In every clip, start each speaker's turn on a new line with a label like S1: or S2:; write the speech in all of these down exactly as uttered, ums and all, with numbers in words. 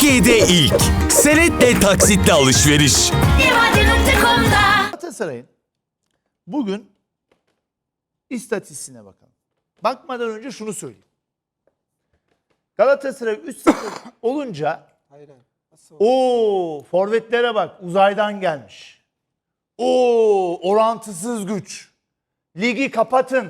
S1: Türkiye'de ilk senetle taksitle alışveriş.
S2: Galatasaray'ın bugün istatistiğine bakalım. Bakmadan önce şunu söyleyeyim. Galatasaray üç sıfır olunca o forvetlere bak, uzaydan gelmiş. O orantısız güç. Ligi kapatın.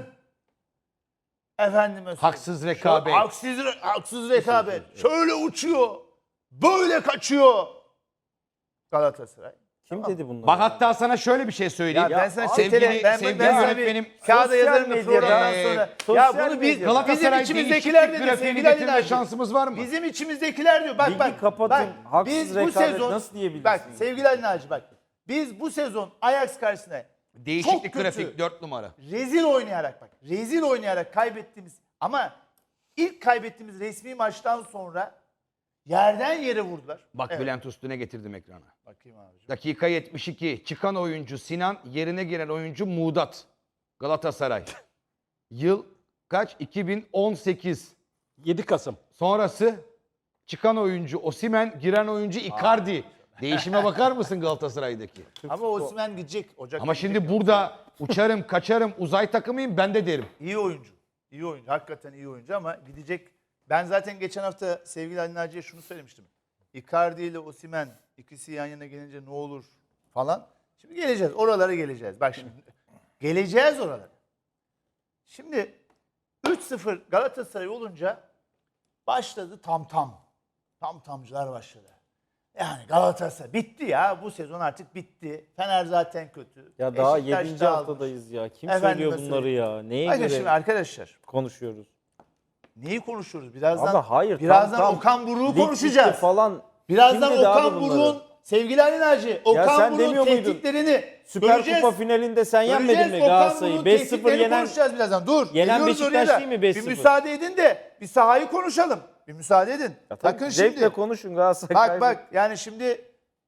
S2: Efendime söyleyeyim.
S3: Haksız rekabet.
S2: Şöyle, haksız, haksız rekabet. Şöyle uçuyor. Böyle kaçıyor. Galatasaray.
S4: Kim dedi bunları?
S3: Bak hatta sana şöyle bir şey söyleyeyim.
S2: Ya ben sana
S3: sevgili,
S2: çetele, ben,
S3: sevgili
S2: ben sana
S3: yönetmenim.
S2: bir kağıda
S4: sosyal
S2: yazarım da
S4: medyada,
S2: programdan
S3: e,
S2: sonra.
S4: sosyal
S2: Ya bunu biz
S4: medyada.
S3: Galatasaray
S2: bizim içimizdekiler
S3: değişiklik
S2: dedi.
S3: grafiğini
S2: Sevgili Ali
S3: getirme
S2: Naci.
S3: şansımız var mı?
S2: Bizim içimizdekiler diyor. Bak
S4: Ligi
S2: bak.
S4: kapatın,
S2: Bak,
S4: haksız
S2: biz bu
S4: rekabet
S2: sezon
S4: nasıl diyebilirsiniz?
S2: Bak sevgili Ali Naci bak. Biz bu sezon Ajax karşısında
S3: Değişiklik
S2: çok kötü,
S3: grafik dört numara.
S2: rezil oynayarak bak. Rezil oynayarak kaybettiğimiz ama ilk kaybettiğimiz resmi maçtan sonra yerden yere vurdular.
S3: Bak
S2: Evet.
S3: Bülent Üstün'e getirdim ekrana.
S2: Bakayım abicim.
S3: Dakika yetmiş iki. Çıkan oyuncu Sinan, yerine giren oyuncu Muğdat. Galatasaray. Yıl kaç? iki bin on sekiz.
S4: yedi Kasım.
S3: Sonrası çıkan oyuncu Osimhen, giren oyuncu Icardi. Değişime bakar mısın Galatasaray'daki?
S2: Ama Osimhen gidecek. Ocak
S3: Ama
S2: gidecek
S3: şimdi
S2: ya.
S3: burada uçarım, kaçarım, uzay takımıyım ben de derim.
S2: İyi oyuncu. İyi oyuncu. Hakikaten iyi oyuncu ama gidecek. Ben zaten geçen hafta sevgili Ali Naci'ye şunu söylemiştim. Icardi ile Osimhen ikisi yan yana gelince ne olur falan. Şimdi geleceğiz. Oralara geleceğiz. Bak şimdi. Geleceğiz oralara. Şimdi üç sıfır Galatasaray olunca başladı tam tam. Tam tamcılar başladı. Yani Galatasaray bitti ya. Bu sezon artık bitti. Fener zaten kötü.
S4: Ya daha
S2: Beşiktaş
S4: yedinci
S2: dağılmış.
S4: haftadayız ya. Kim
S2: Efendime
S4: söylüyor bunları
S2: söyleyeyim.
S4: ya? Neye
S2: Bakın
S4: göre
S2: şimdi arkadaşlar.
S4: konuşuyoruz?
S2: Neyi konuşuyoruz? Birazdan
S4: Abi hayır.
S2: birazdan
S4: tam, tam
S2: Okan Buruk'u
S4: lig
S2: konuşacağız.
S4: bitti falan.
S2: Birazdan
S4: Kim dedi abi
S2: Okan
S4: bunları?
S2: Buruk'un sevgili Ali Naci, Okan
S4: sen
S2: Buruk'un
S4: demiyor muydun?
S2: tehditlerini
S4: Süper
S2: göreceğiz.
S4: Kupa finalinde sen yenmedin
S2: Göreceğiz.
S4: mi
S2: Okan
S4: Galatasaray'ı?
S2: Buruk'un
S4: beş sıfır
S2: tehditlerini
S4: yenen
S2: konuşacağız birazdan. Dur.
S4: Yenen
S2: geliyoruz oraya
S4: Beşiktaş
S2: da.
S4: değil mi beş
S2: Bir
S4: sıfır?
S2: müsaade edin de bir sahayı konuşalım. Bir müsaade edin.
S4: Ya tabii
S2: Bakın
S4: zevkle
S2: şimdi.
S4: konuşun Galatasaray.
S2: Bak
S4: kaybet-
S2: bak yani şimdi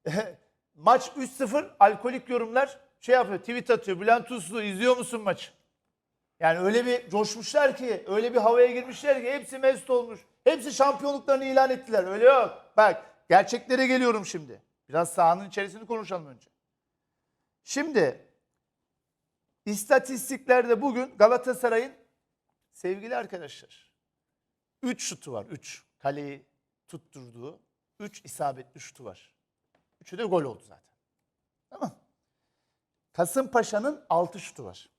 S2: maç üç sıfır alkolik yorumlar şey yapıyor. Tweet atıyor. Bülent Uslu izliyor musun maçı? Yani öyle bir coşmuşlar ki, öyle bir havaya girmişler ki hepsi mest olmuş. Hepsi şampiyonluklarını ilan ettiler. Öyle yok. Bak gerçeklere geliyorum şimdi. Biraz sahanın içerisini konuşalım önce. Şimdi istatistiklerde bugün Galatasaray'ın sevgili arkadaşlar üç şutu var. üç kaleyi tutturduğu üç isabetli şutu var. üçü de gol oldu zaten. Tamam. Kasımpaşa'nın altı şutu var.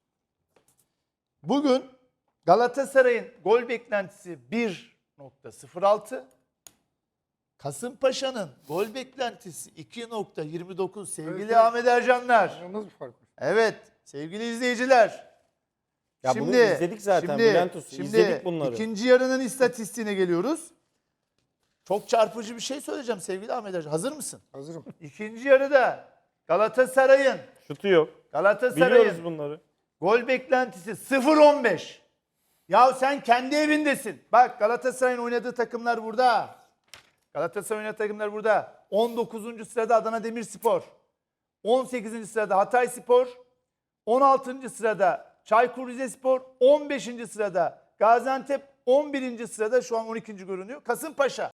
S2: Bugün Galatasaray'ın gol beklentisi bir nokta sıfır altı. Kasımpaşa'nın gol beklentisi iki nokta yirmi dokuz sevgili
S5: Evet,
S2: Ahmet Ercanlar.
S5: Nasıl bir fark var?
S2: Evet sevgili izleyiciler.
S4: Ya bunu izledik zaten, Bülent Usta,
S2: Şimdi
S4: izledik bunları.
S2: ikinci yarının istatistiğine geliyoruz. Çok çarpıcı bir şey söyleyeceğim sevgili Ahmet Ercan. Hazır mısın?
S5: Hazırım.
S2: İkinci yarıda Galatasaray'ın
S4: Şutu yok.
S2: Galatasaray'ın
S4: Biliyoruz bunları.
S2: gol beklentisi sıfır on beş. Ya sen kendi evindesin. Bak Galatasaray'ın oynadığı takımlar burada. Galatasaray'ın oynadığı takımlar burada. on dokuzuncu sırada Adana Demirspor. on sekizinci sırada Hatayspor. on altıncı sırada Çaykur Rizespor. on beşinci sırada Gaziantep. on birinci sırada şu an on ikinci görünüyor Kasımpaşa.